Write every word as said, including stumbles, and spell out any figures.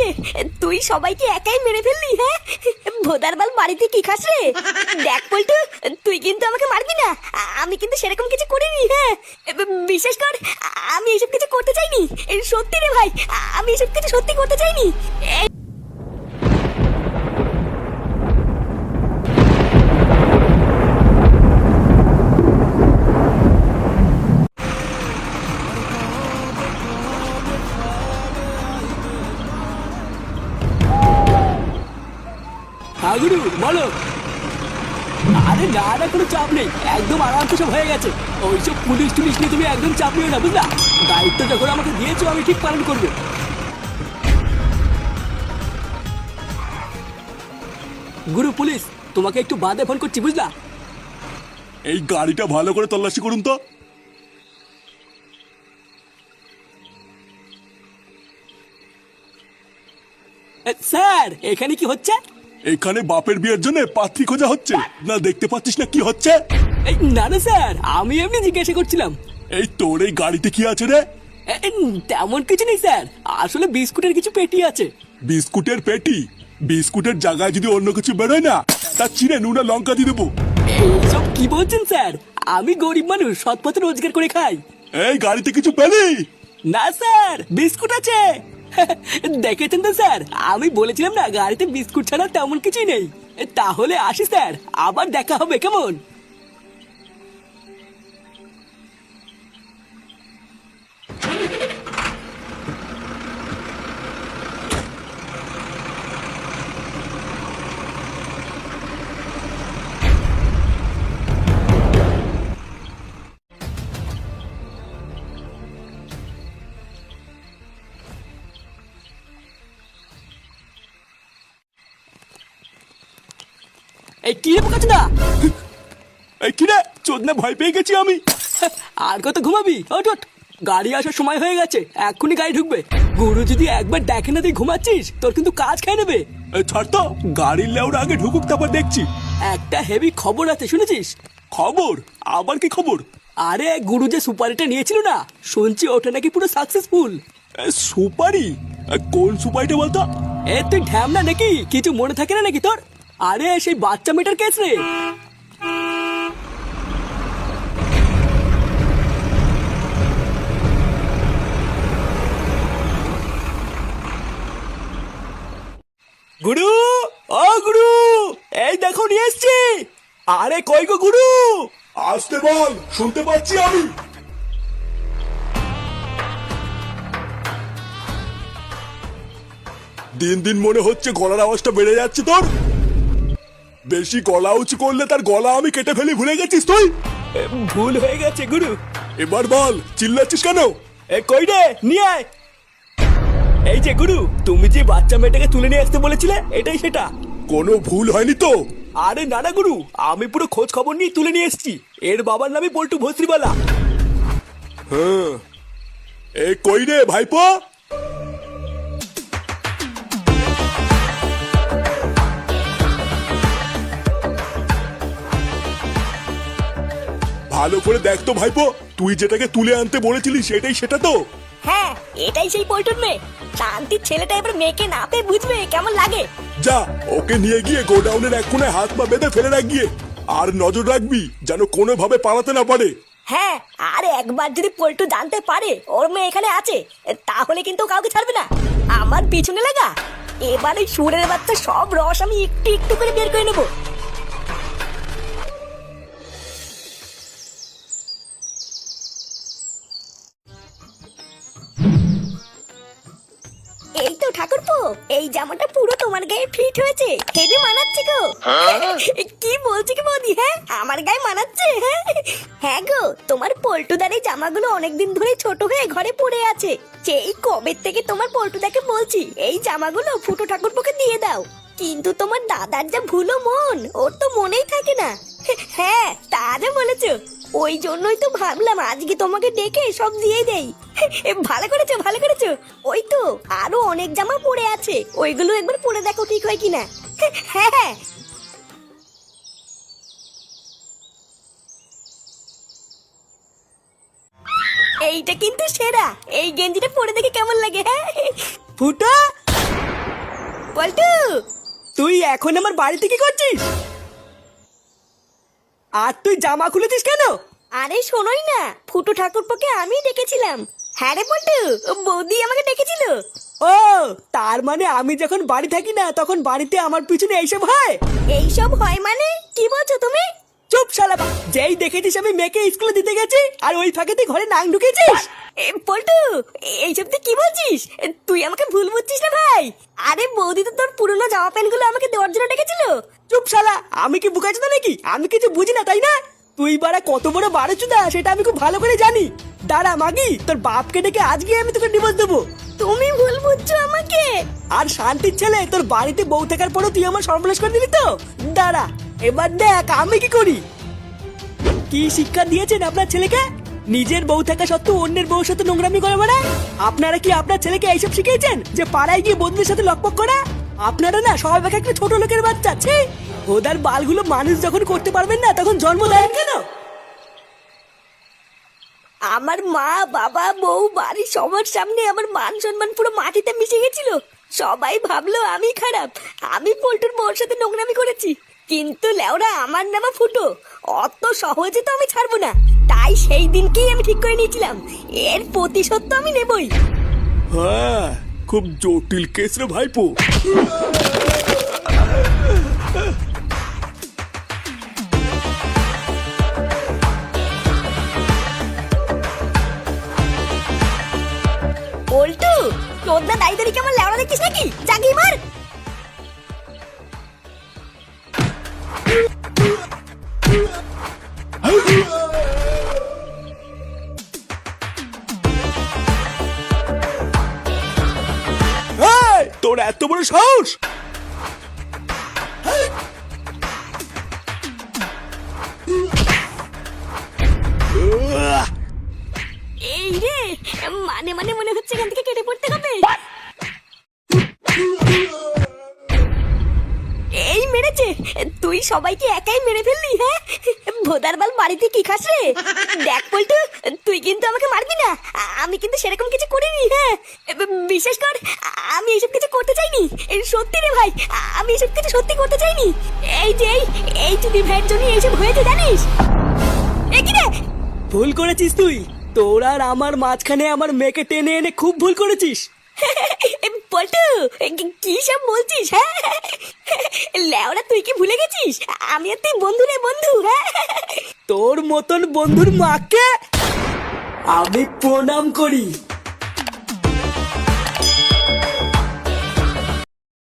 তুই সবাইকে একাই মেরে ফেললি? হ্যাঁ, ভোদার বাল বাড়িতে কি খাস রে? দেখ পল্টু, তুই কিন্তু আমাকে মারবি না, আমি কিন্তু সেরকম কিছু করিনি। হ্যাঁ, বিশেষ কর আমি এসব কিছু করতে চাইনি, সত্যি রে ভাই, আমি এসব কিছু সত্যি করতে চাইনি। হাগুরু বলো। আরে না না, কোনো চাপ নেই, একদম আরামসে সব হয়ে গেছে। ওইসব পুলিশ টুলিশ নিয়ে তুমি একদম চাপ নিও না, বুঝলা? দায়িত্ব যখন আমাকে দিয়েছো আমি ঠিক পালন করবো। গুরু পুলিশ, তোমাকে একটু বাদে ফোন করছি, বুঝলা? এই গাড়িটা ভালো করে তল্লাশি করুন তো। এ, স্যার এখানে কি হচ্ছে? এখানে বাপের বিয়ের জন্য পাত্রী খোঁজা হচ্ছে না, দেখতে পাচ্ছিস না কি হচ্ছে? এই, না না স্যার, আমি এমনি জিজ্ঞাসা করছিলাম। এই তোর এই গাড়িতে কি আছে রে? এ, এ, তেমন কিছু নেই স্যার, আসলে বিস্কুটের কিছু পেটি আছে। বিস্কুটের পেটি? বিস্কুটের জায়গায় যদি অন্য কিছু বেরোয় না, তার চিনে নুনা লঙ্কা দিয়ে দেবো। এইসব কি বলছেন স্যার? আমি গরিব মানুষ, সৎ পথে রোজগার করে খাই। এই গাড়িতে কিছু পেলি? না স্যার, বিস্কুট আছে। দেখেছেন তো স্যার, আমি বলেছিলাম না গাড়িতে বিস্কুট ছাড়া তেমন কিছুই নেই। তাহলে আসি স্যার, আবার দেখা হবে, কেমন? এই কি রে বোকাচোদা না? এই কি রে, চোদনা ভয় পেয়ে গেছি আমি। আর কত ঘুমাবি? ওঠ ওঠ, গাড়ি আসার সময় হয়ে গেছে, এক্ষুনি গাড়ি ঢুকবে। গুরু যদি একবার দেখে না তুই ঘুমাচ্ছিস, তোর কিন্তু কাজ খেয়ে নেবে। এই ছাড় তো, গাড়ির লেউরা আগে ঢুকুক, তারপর দেখছি। একটা হেভি খবর আছে, শুনেছিস? খবর? আবার কি খবর? আরে গুরু যে সুপারিটা নিয়েছিল না, শুনছি ওটা নাকি পুরো সাকসেসফুল। এ, সুপারি? এ, কোন সুপারিটা বলতো? এ তুই ঢ্যামনা নাকি, কিছু মনে থাকে না নাকি তোর? আরে সেই বাচ্চা মেয়েটার কেস রে। গুরু, ও গুরু, এই দেখো নিয়ে এসছি। আরে কই গো গুরু? আসতে বল, শুনতে পাচ্ছি আমি। দিন দিন মনে হচ্ছে গলার আওয়াজটা বেড়ে যাচ্ছে তোর। বেশি গলা উঁচু করলে তার গলা আমি কেটে ফেলি, ভুলে গেছিস তুই? এ, ভুল হয়ে গেছে গুরু। এবার বল, চিল্লাচ্ছিস কেন? এ কই রে, নিয়ে আয়। এই যে গুরু, তুমি যে বাচ্চা মেয়েটাকে তুলে নিয়ে আসতে বলেছিলে, এটাই সেটা। কোনো ভুল হয়নি তো? আরে না না গুরু, আমি পুরো খোঁজ খবর নিয়ে তুলে নিয়ে এসেছি। এর বাবার নামই পল্টু ভস্ত্রীবালা। হ্যাঁ, এ কই রে ভাইপো? ভালো করে দেখ তো ভাইপো, তুই যেটাকে তুলে আনতে বলেছিলি সেটাই সেটা তো? হ্যাঁ, এটাই সেই পল্টুর মেয়ে। শান্তির ছেলেটা এবার মেয়েকে না পেয়ে বুঝবে কেমন লাগে। যা, ওকে নিয়ে গিয়ে গোডাউনের এক কোণে হাত পা বেঁধে ফেলে রাখ গিয়ে। আর নজর রাখবি যেন কোনোভাবে পালাতে না পারে। হ্যাঁ, আর একবার যদি পল্টু জানতে পারে ওর মেয়ে এখানে আছে, তাহলে কিন্তু ও কাউকে ছাড়বে না। আমার পিছনে লাগা, এবার ওই সুরের বাচ্চা সব রস আমি একটু একটু করে বের করে নেবো। এই তো ঠাকুরপো, এই জামাটা পুরো তোমার গায়ে ফিট হয়েছে, হেভি মানাচ্ছে গো। কি বলছি কি বৌদি? হ্যাঁ, আমার গায়ে মানাচ্ছে। হ্যাঁ হ্যাঁ গো, তোমার পল্টুদার এই জামাগুলো অনেকদিন ধরে ছোট হয়ে ঘরে পড়ে আছে। সেই কবে থেকে তোমার পল্টুদাকে বলছি এই জামাগুলো ফুটো ঠাকুরপোকে দিয়ে দাও, কিন্তু তোমার দাদার যা ভুলো মন, ওর তো মনেই থাকে না। হ্যাঁ, তা যা বলেছো, ওই জন্যই তো ভাবলাম আজকে তোমাকে ডেকে সব দিয়ে দেই। ভালো করেছো, ভালো করেছো। ওই তো আরো অনেক জামা পড়ে আছে, ওইগুলো একবার পরে দেখো ঠিক হয় কিনা। হ্যাঁ হ্যাঁ, এইটা কিন্তু সেরা। এই গেঞ্জিটা পরে দেখে কেমন লাগে? হ্যাঁ ফুটা, পল্টু তুই এখন আমার বাড়িতে কি করছিস? আর তুই জামা খুলেছিস কেন? আরে শোনোই না, ফুটু ঠাকুরপোকে আমি ডেকেছিলাম। হ্যাঁ রে পল্টু, বৌদি আমাকে ডেকেছিল। ও, তার মানে আমি যখন বাড়ি থাকি না তখন বাড়িতে আমার পিছনে এইসব হয়? এইসব হয় মানে কি বলছো তুমি? চুপ শালা, যেই দেখেছিস আমি মেয়েকে স্কুলে দিতে গেছি আর ওই ফাঁকেতে ঘরে নাং ঢুকেছিস। এ, পল্টু এইসব তুই কি বলছিস? তুই আমাকে ভুল বুঝছিস না ভাই। আরে বৌদি তো তোর পুরনো জামা প্যান্ট গুলো আমাকে দেওয়ার জন্য ডেকেছিল। চুপ শালা, আমি কি বুকাচ্ছি নাকি? আমি কিছু বুঝি না তাই না? তুই বাড়া কত বড় বারোচুদা সেটা আমি খুব ভালো করে জানি। দাঁড়া মাগি, তোর বাপকে ডেকে আজকে আমি তোকে ডিভোর্স দেবো। তুমি ভুল বুঝছো আমাকে। আর শান্তির ছেলে, তোর বাড়িতে বউ থাকার পরও তুই আমার সর্বনাশ করে দিবি তো? দাঁড়া, এবার দেখ আমি কি করি। কি শিক্ষা দিয়েছেন আপনার ছেলেকে? নিজের বউ থাকা সত্ত্বেও অন্যের বউর সাথে নোংরামি করে বেড়ায়। আপনারা কি আপনার ছেলেকে এইসব শিখিয়েছেন যে পাড়ায় গিয়ে বন্ধুদের সাথে লকপক করা? আপনারা না সবাই এক একটা ছোট লোকের বাচ্চা। ছি, ওদের বালগুলো মানুষ যখন করতে পারবেন না তখন জন্ম দেন কেন? আমার মা বাবা বউ বাড়ির সবার সামনে আমার মান সম্মান পুরো মাটিতে মিশে গেছিল। সবাই ভাবলো আমি খারাপ, আমি পল্টুর বউর সাথে নোংরামি করেছি। কিন্তু লেওরা আমার নামা ফুটো, অত সহজে তো আমি ছাড়বো না। তাই সেই দিনকেই আমি ঠিক করে নিয়েছিলাম এর প্রতিশোধ তো আমি নেবই। হ্যাঁ, খুব জটিল কেস রে ভাইপো। পল্টু, তোর না দায়ী দাঁড়িয়ে আমার লেওরা দেখছিস নাকি? জাগি মার। এই, তোর এত বড় সাহস! আহ! এই রে, মানে মানে মনে হচ্ছে এখান থেকে কেটে পড়তে হবে। এই মেরেছে, তুই সবাইকে একাই মেরে ফেললি? হ্যাঁ, ভোদার বাল বাড়িতে কি খাস রে? দেখ পল্টু, তুই কিন্তু আমাকে মারবি না। আমি কিন্তু সেরকম কিছু করিনি। হ্যাঁ, বিশেষ কর আমি এসব কিছু করতে চাইনি। সত্যি রে ভাই, আমি এসব কিছু সত্যি করতে চাইনি। এই যে এই এই চুদি ভাইয়ের জন্য এইসব হয়েছে জানিস? এ কি রে? ভুল করেছিস তুই। তোর আর আমার মাঝখানে আমার মেয়েকে টেনে এনে খুব ভুল করেছিস। পল্টু, কি সব বলছিস? হ্যাঁ, লেওরা তুই কি ভুলে গেছিস আমি আর তুই বন্ধু রে বন্ধু? হ্যাঁ, তোর মতন বন্ধুর মাকে আমি প্রণাম করি।